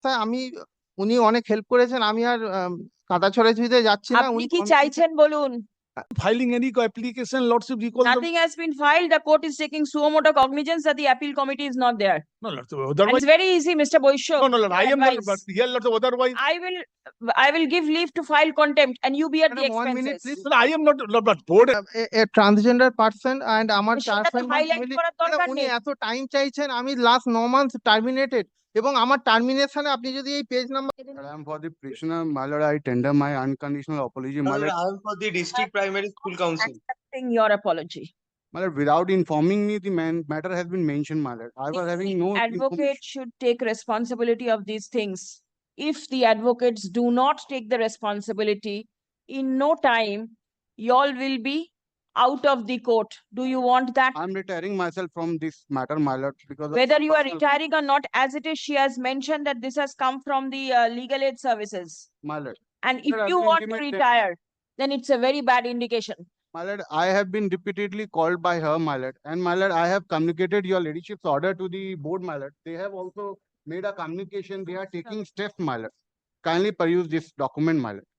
রাস্তায় আমি উনি অনেক হেল্প করেছেন, আমি আর কাদা ছড়াছড়িতে যাচ্ছি না। আপনি উনি কি চাইছেন বলুন? Filing any application, lordship recall the. Nothing has been filed. The court is taking suo motu cognizance that the appeal committee is not there. No, lordship, And otherwise. it's very easy, Mr. Boisho. No, Lord, I am not, advice. but here, lordship, otherwise. I will give leave to file contempt and you bear the Madam, 1 minute, expenses. please. No, I am not, Lord, but board. a transgender person and আমার সেটা তো 4-5 month highlight family, করার দরকার উনি নেই। এত time চাইছেন, আমি লাস্ট 9 months টার্মিনেটেড, এবং আমার টার্মিনেশনে আপনি যদি এই page number. I am for the prisoner, my lord, I tender my unconditional apology, my lord. I am for the district primary school council. Accepting your apology. My lord, without informing me, the matter has been mentioned, my lord. I was having no Advocate information. should take responsibility of these things. If the advocates do not take the responsibility, in no time, y'all will be out of the court. Do you want that? I am retiring myself from this matter, my lord, because of Whether you are personal- retiring or not, as it is, she has mentioned that this has come from the legal aid services. my lord. And if Sir, I you will want to intimate them. retire, then it's a very bad indication. My lord, I have been repeatedly called by her, my lord, and my lord, I have communicated your ladyship's order to the board, my lord. They have also made a communication. They are taking steps, my lord. Kindly peruse this document, my lord.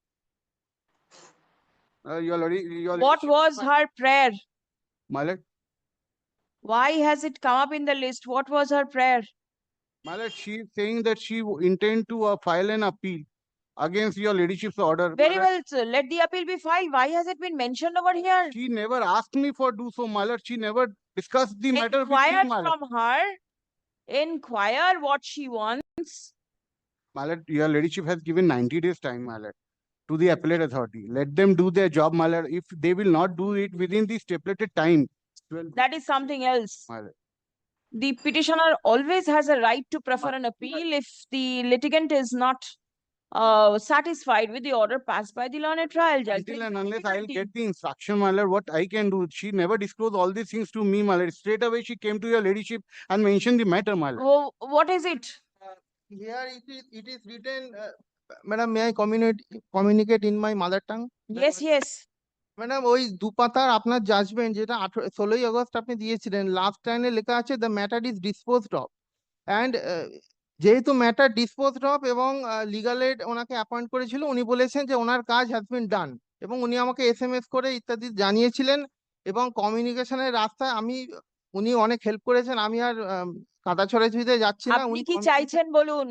Your What ladyship, was her prayer? my lord? Why has it come up in the list? What was her prayer? My lord, she is saying that she intend to file an appeal against your ladyship's order. My Very lord, well, sir. Let the appeal be filed. Why has it been mentioned over here? she never asked me for do so, my lord. She never discussed the matter with me, Inquire my lord. from her. Inquire what she wants. My lord, your ladyship has given 90 days time, my lord, to the appellate authority. Let them do their job, my lord. If they will not do it within the stipulated time, well, That is something else. my lord. The petitioner always has a right to prefer an appeal if the litigant is not satisfied with the order passed by the learned trial judge. Until and unless I'll get the instruction, my lord, what I can do. She never disclosed all these things to me, my lord. Straight away, she came to your ladyship and mentioned the matter, my lord. Oh, what is it? Here it is written, madam, may I communicate in my mother tongue? Yes, yes. Madam, ওই দুপাতার আপনার judgement যেটা 16ই August আপনি দিয়েছিলেন, last লাইনে লেখা আছে the matter is disposed of. And যেহেতু ম্যাটার ডিসপোজড অফ এবং লিগাল এড ওনাকে অ্যাপয়েন্ট করেছিল, উনি বলেছেন যে ওনার কাজ হ্যাজ বিন ডান, এবং উনি আমাকে SMS করে ইত্যাদি জানিয়েছিলেন। এবং কমিউনিকেশনের রাস্তায় উনি অনেক হেল্প করেছেন, আমি আর কাদা ছড়াছড়িতে যাচ্ছি না। আপনি উনি কি চাইছেন বলুন?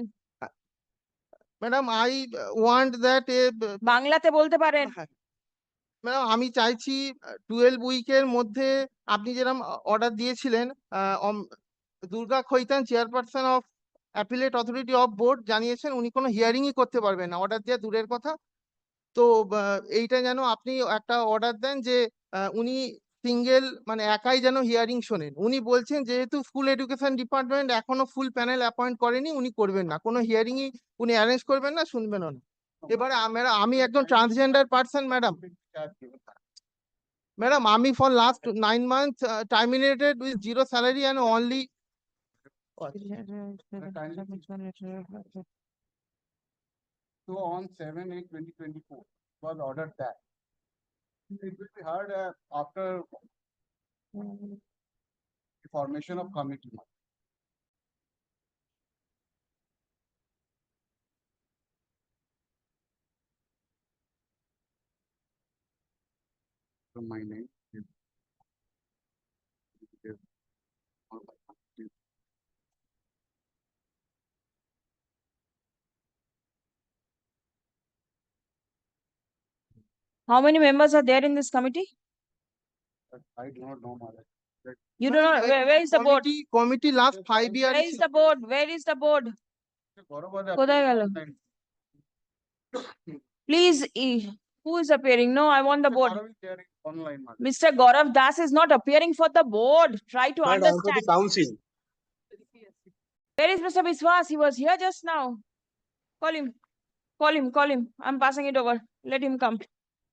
ম্যাডাম, আই ওয়ান্ট দ্যাট বাংলাতে বলতে পারেন। ম্যাডাম, আমি চাইছি 12 উইকের মধ্যে আপনি যেরকম অর্ডার দিয়েছিলেন, Durga Khaitan chairperson of appellate authority of board জানিয়েছেন উনি কোনো হিয়ারিংই করতে পারবেন না, অর্ডার দেওয়া দূরের কথা। তো এইটা যেন আপনি একটা অর্ডার দেন যে উনি সিঙ্গেল মানে একাই যেন হিয়ারিং শোনেন। উনি বলছেন যেহেতু স্কুল এডুকেশন ডিপার্টমেন্ট এখনো ফুল প্যানেল অ্যাপয়েন্ট করেনি, উনি করবেন না, কোনো হিয়ারিংই উনি অ্যারেঞ্জ করবেন না, শুনবেনও না। এবারে আমি একজন ট্রান্সজেন্ডার পার্সন ম্যাডাম। ম্যাডাম, আমি for last 9 months terminated with 0 salary and only So on 7/8/2024 was ordered that it will be heard after the formation of committee. So my name is. How many members are there in this committee? I do not know, Mother. You do not. Where is the board? Committee last 5 years Where is the board? Where is the board? কোথায় গেল? Please, who is appearing? No, I want the board. Online, Mother. Mr. Gaurav Das is not appearing for the board. Try to But I am for the understand. council. Where is Mr. Biswas? He was here just now. Call him. Call him. Call him. I'm passing it over. Let him come.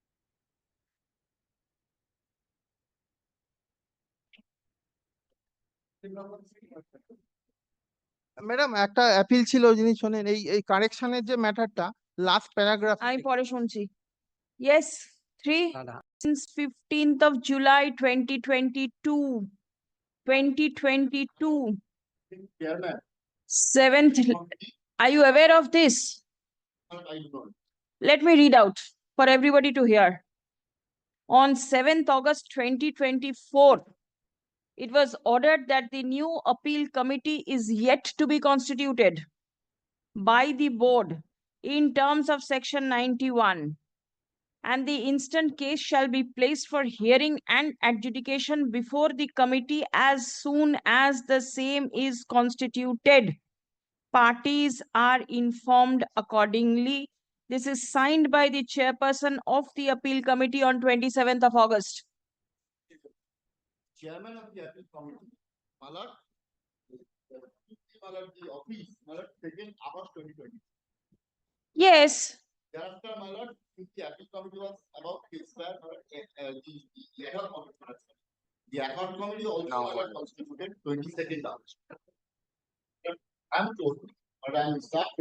Madam, একটা appeal ছিল, যিনি শোনেন এই কারেকশনের যে ম্যাটারটা last paragraph. আমি পরে শুনছি। Yes, 3 since 15th of July 2022. 2022. 7th Are you aware of this? Let me read out for everybody to hear. On 7th August 2024, it was ordered that the new appeal committee is yet to be constituted by the board in terms of section 91, and the instant case shall be placed for hearing and adjudication before the committee as soon as the same is constituted. Parties are informed accordingly. This is signed by the chairperson of the appeal committee on 27th of August. Chairman of the appeal committee, Malad, Malad, the office, Malad, 2nd August 2020. Yes, Thereafter, Malad, since the appeal committee was about to expire, Malad, the ad hoc committee, Malad, the ad hoc committee also Malad constituted 22nd August. I'm told, but I'm started.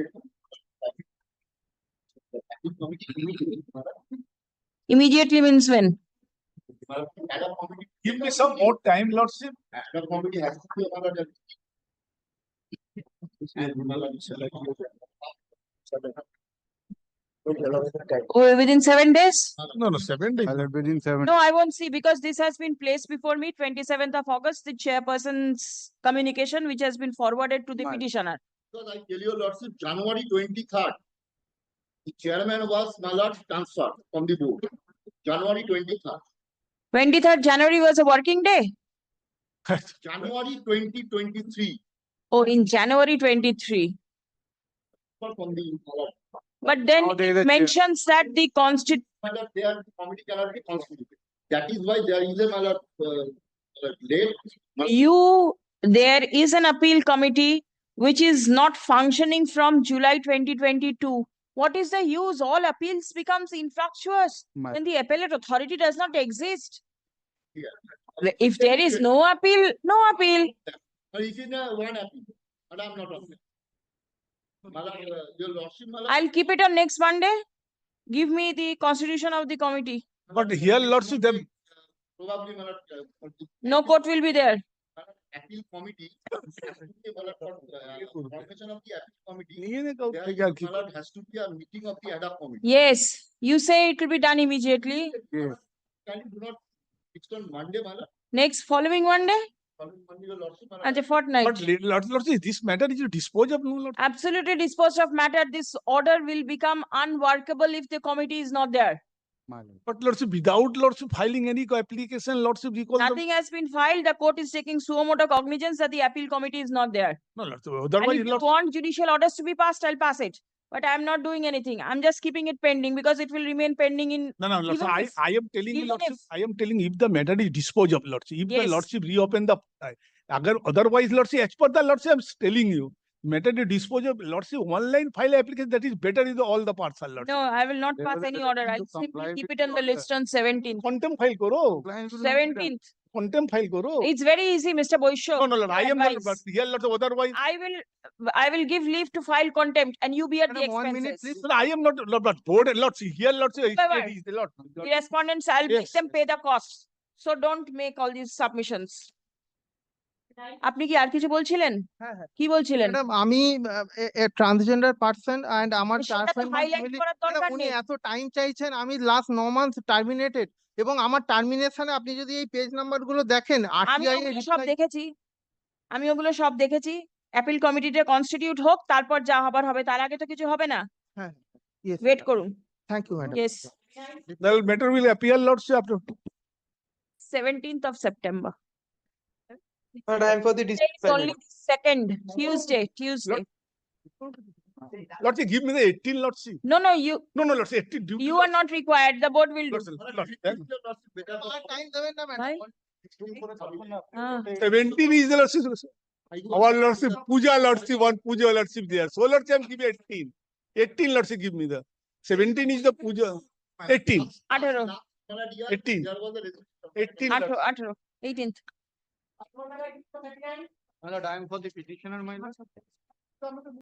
The appeal committee immediately, Malad, immediately means when? Malad, the ad hoc committee. Give me some more time, lordship. Ad hoc committee has to be Malad. And Malad, Oh, within 7 days? No, 7 days. My lord, within 7. No, I won't see because this has been placed before me, 27th of August, the chairperson's communication, which has been forwarded to the Right. petitioner. Because I tell you, Lordship, January 23rd, the chairman was Malad transferred from the board. January 23rd, 23rd January was a working day. January 2023, Oh, in January 23. from the Malad. But then Now there is it a mentions that the Malad, their committee cannot be constituted. That is why there is a Malad late. there is an appeal committee which is not functioning from July 2022. What is the use? All appeals becomes infructuous My- when the appellate authority does not exist. Yeah. If there is no appeal, no appeal. But it is one appeal, but I'm not on it. Malad, your Lordship, Malad. I'll keep it on next Monday. Give me the constitution of the committee. But here, lordship, them, Probably Malad. No court will be there. Appeal committee. Malad, formation of the appeal committee. नहीं है ना, There क्या is, Malad, has to be a meeting of the ad hoc committee. Yes, you say it will be done immediately. Yes. Can you do not fix on Monday, Malad? Next following Monday Following Monday, your Lordship, Malad. and a fortnight. But lordship, this matter is disposed of, no, lord. Absolutely disposed of matter. This order will become unworkable if the committee is not there. My lord. But lordship, without lordship filing any application, lordship recall them. Nothing has been filed. The court is taking suo motu cognizance that the appeal committee is not there. No, lordship, And otherwise, if you lordship. want judicial orders to be passed, I'll pass it. But I'm not doing anything. I'm just keeping it pending because it will remain pending in. No, lordship, Even if- I am telling you, even lordship, if- I am telling if the matter is disposed of, lordship, if the Yes. lordship reopen the, otherwise, lordship, as per the lordship, I'm telling you, matter is disposed of, lordship, one line file application, that is better in all the parts, lordship. No, I will not There pass was a any order. direction I'll to simply comply keep with it on the the order. list on 17th. Contempt file karo, Compliance will not be done. 17th. contempt file karo. It's very easy, Mr. Boisho. No, lord, I am not, but Advice. here, lordship, otherwise, I will give leave to file contempt and you bear the Madam, 1 minute, expenses. no, I am not, but board, lordship, here, lordship, Whatever. is the lord. The respondents, I'll make Yes. them pay the costs. So don't make all these submissions. আপনি কি আর কিছু বলছিলেন? হ্যাঁ, হ্যাঁ। কি বলছিলেন? Madam আমি transgender person and আমার সেটা তো 4 5 মাস highlight ফ্যামিলি করার দরকার উনি নেই। এত টাইম চাইছেন আমি লাস্ট 9 মান্থ টার্মিনেটেড এবং আমার টার্মিনেশনে আপনি যদি এই পেজ নাম্বার গুলো দেখেন আমি আরটিআই ওগুলো সব দেখেছি। আমি ওগুলো সব দেখেছি। অ্যাপিল কমিটিটা কনস্টিটিউট হোক, তারপর যা হবার হবে। তার আগে তো কিছু হবে না। হ্যাঁ ইয়েস ওয়েট করুন। Thank you madam Yes, The matter will appear, lordship, after 17th of September. But I am for the district It's only second, Tuesday. lordship, give me the 18, lordship. No, No, lordship, 18 due. you are not required. The board will do. Time দেবেন না madam Why? Ah. 17 is the lordship. Our lordship, puja lordship, one puja lordship there. So lordship, I'm giving 18. 18 lordship, give me the. 17 is the puja. 18. 18, 18. 18 lordship. 18, 18th. My lord, I am for the petitioner, my lord.